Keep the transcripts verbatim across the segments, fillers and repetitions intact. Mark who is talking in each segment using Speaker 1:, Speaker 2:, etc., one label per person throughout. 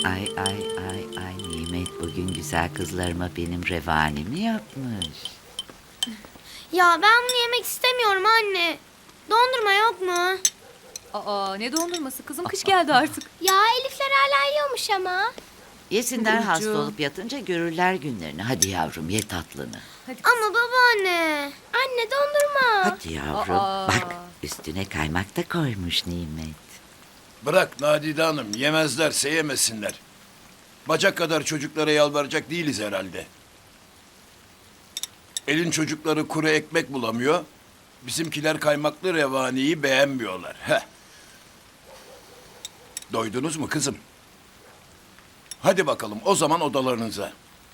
Speaker 1: Ay ay ay ay Nimet bugün güzel kızlarıma benim revanimi yapmış.
Speaker 2: Ya ben bunu yemek istemiyorum anne. Dondurma yok mu?
Speaker 3: Aa, ne dondurması kızım, kış geldi artık.
Speaker 2: Ya Elifler hala yiyormuş ama.
Speaker 1: Yesinler
Speaker 3: Burcu.
Speaker 1: hasta olup yatınca görürler günlerini. Hadi yavrum ye tatlını.
Speaker 3: Hadi.
Speaker 2: Ama babaanne. Anne dondurma.
Speaker 1: Hadi yavrum.
Speaker 3: Aa.
Speaker 1: Bak üstüne kaymak da koymuş Nimet.
Speaker 4: Bırak Nadide Hanım, yemezlerse yemesinler. Bacak kadar çocuklara yalvaracak değiliz herhalde. Elin çocukları kuru ekmek bulamıyor. Bizimkiler kaymaklı revaniyi beğenmiyorlar. Heh. Doydunuz mu kızım? Hadi bakalım o zaman odalarınıza.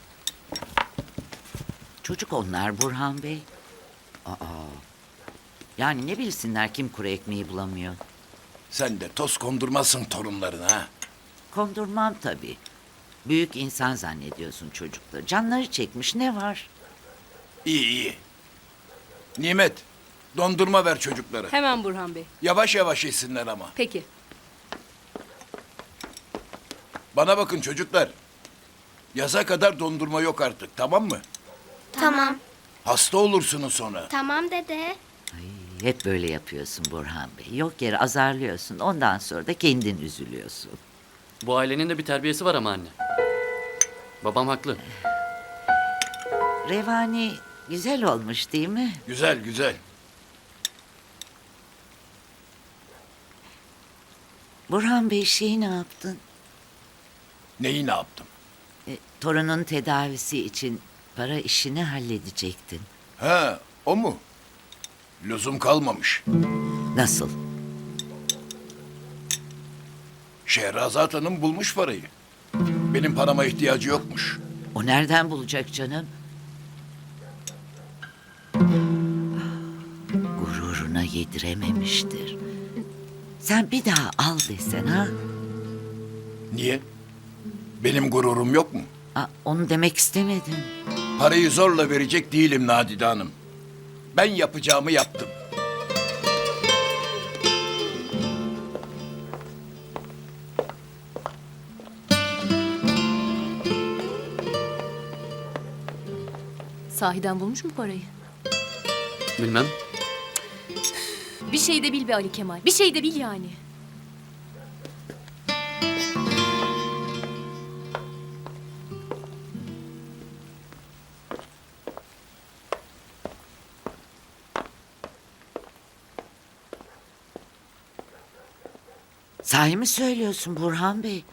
Speaker 1: Çocuk onlar Burhan Bey. Aa. Yani ne bilsinler kim kuru ekmeği bulamıyor.
Speaker 4: Sen de toz kondurmazsın torunlarına ha.
Speaker 1: Kondurmam tabii. Büyük insan zannediyorsun çocukları. Canları çekmiş ne var?
Speaker 4: İyi iyi. Nimet, dondurma ver çocuklara.
Speaker 3: Hemen Burhan Bey.
Speaker 4: Yavaş yavaş yesinler ama.
Speaker 3: Peki.
Speaker 4: Bana bakın çocuklar. Yaza kadar dondurma yok artık, tamam mı?
Speaker 2: Tamam.
Speaker 4: Hasta olursunuz sonra.
Speaker 2: Tamam dede.
Speaker 1: Ay, hep böyle yapıyorsun Burhan Bey. Yok yere azarlıyorsun. Ondan sonra da kendin üzülüyorsun.
Speaker 5: Bu ailenin de bir terbiyesi var ama anne. Babam haklı.
Speaker 1: Revani güzel olmuş değil mi?
Speaker 4: Güzel güzel.
Speaker 1: Burhan Bey şeyi ne yaptın?
Speaker 4: Neyi ne yaptım?
Speaker 1: E, torunun tedavisi için para işini halledecektin.
Speaker 4: Ha, o mu? Lüzum kalmamış.
Speaker 1: Nasıl?
Speaker 4: Şehrazat Hanım bulmuş parayı. Benim parama ihtiyacı yokmuş.
Speaker 1: O nereden bulacak canım? Gururuna yedirememiştir. Sen bir daha al desen ha?
Speaker 4: Niye? Benim gururum yok mu?
Speaker 1: Aa, onu demek istemedim.
Speaker 4: Parayı zorla verecek değilim Nadide Hanım. Ben yapacağımı yaptım.
Speaker 3: Sahiden bulmuş mu parayı?
Speaker 5: Bilmem.
Speaker 3: Bir şey de bil be Ali Kemal. Bir şey de bil yani.
Speaker 1: Sahi mi söylüyorsun Burhan Bey?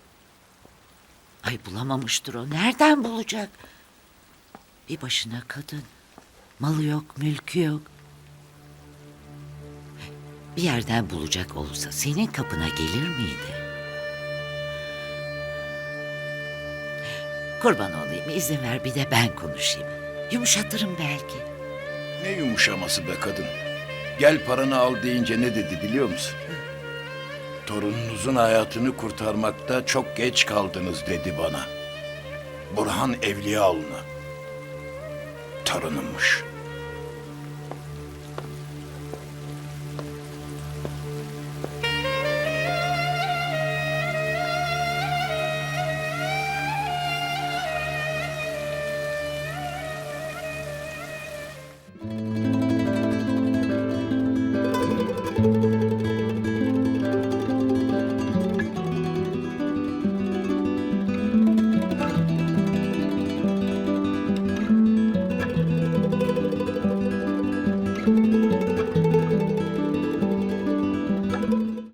Speaker 1: Ay bulamamıştır o. Nereden bulacak? Bir başına kadın. Malı yok, mülkü yok. Bir yerden bulacak olsa senin kapına gelir miydi? Kurban olayım izin ver bir de ben konuşayım. Yumuşatırım belki.
Speaker 4: Ne yumuşaması be kadın. Gel paranı al deyince ne dedi biliyor musun? Torununuzun hayatını kurtarmakta çok geç kaldınız dedi bana. Burhan Evliyaoğlu'na. Torunummuş.